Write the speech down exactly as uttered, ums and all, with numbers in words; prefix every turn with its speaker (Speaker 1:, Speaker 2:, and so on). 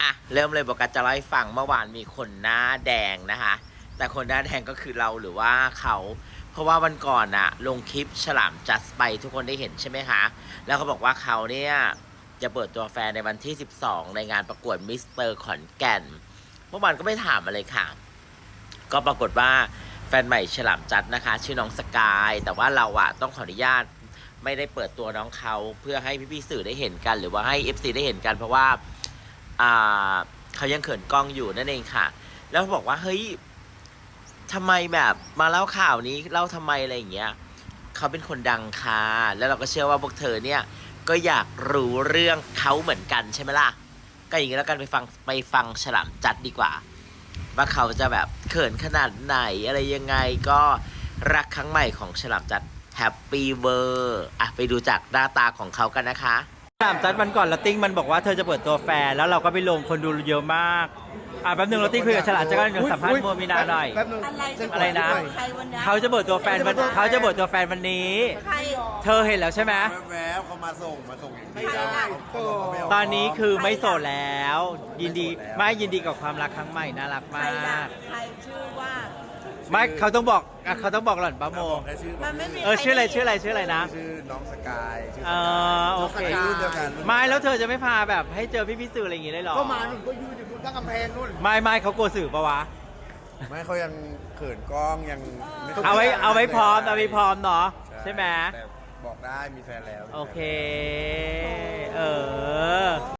Speaker 1: อ่ะเริ่มเลยบอกกันจะเล่าให้ฟังเมื่อวานมีคนหน้าแดงนะคะแต่คนหน้าแดงก็คือเราหรือว่าเขาเพราะว่าวันก่อนอะลงคลิปฉลามจัสไปทุกคนได้เห็นใช่ไหมคะแล้วเขาบอกว่าเขาเนี่ยจะเปิดตัวแฟนในวันที่สิบสองในงานประกวดมิสเตอร์ขอนแก่นเมื่อวานก็ไม่ถามอะไรค่ะก็ปรากฏว่าแฟนใหม่ฉลามจัดนะคะชื่อน้องสกายแต่ว่าเราอะต้องขออนุญาตไม่ได้เปิดตัวน้องเขาเพื่อให้พี่ๆสื่อได้เห็นกันหรือว่าให้ เอฟ ซี ได้เห็นกันเพราะว่าอ่าเขายังเขินกล้องอยู่นั่นเองค่ะแล้วบอกว่าเฮ้ยทำไมแบบมาเล่าข่าวนี้เล่าทำไมอะไรอย่างเงี้ยเขาเป็นคนดังค่ะแล้วเราก็เชื่อว่าพวกเธอเนี่ยก็อยากรู้เรื่องเขาเหมือนกันใช่ไหมล่ะก็อย่างนี้แล้วกันไปฟังไปฟังฉลามจัดดีกว่าว่าเขาจะแบบเขินขนาดไหนอะไรยังไงก็รักครั้งใหม่ของฉลามจัดแฮปปี้เวอร์อ่ะไปดูจากหน้าตาของเขากันนะคะฉลามจัดวันก่อนลอตติ้งมันบอกว่าเธอจะเปิดตัวแฟนแล้วเราก็ไปลงคนดูเยอะมากอ่ะแป๊บนึงลอตติ้งคุยกับฉลามจัดกันสัมภาษณ์โมมินาหน่อยอะไรนะเขาจะเปิดตัวแฟนวันเขาจะเปิดตัวแฟนวันนี้เธอเห็นแล้วใช่ไหม
Speaker 2: แวบๆเขามาส่งมาส่งอย่างนี้
Speaker 1: ตอนนี้คือไม่โสดแล้ว ยินดีไม่ยินดีกับความรักครั้งใหม่น่ารักมาก
Speaker 3: ใครชื่อว่า
Speaker 1: ไม่เขาต้องบอกเขาต้องบอกหล่อนป้าโม
Speaker 3: มันไม่มี
Speaker 1: เออชื่ออะไรชื่ออะไรชื่ออะไรนะ
Speaker 2: ชื่อน้องสกายชื่อ
Speaker 1: เออโอเค
Speaker 2: รุ่นเดียวกัน
Speaker 1: ไม่แล้วเธอจะไม่พาแบบให้เจอพี่พี่สื่ออะไรอย่างงี้ได้หรอ
Speaker 2: ก็มาหนุ่มก็ยืนอยู่บนตั้งกำแพงนู่น
Speaker 1: ไม่ไม่เขากลัวสื่อปะวะ
Speaker 2: ไม่เขายังเขินกล้องยังม่ค่ย
Speaker 1: เอาไว้เอาไว้พร้อมเอาไว้พร้อมเนาะใช่ไหม
Speaker 2: แต่บอกได้มีแฟนแล้ว
Speaker 1: โอเค เออ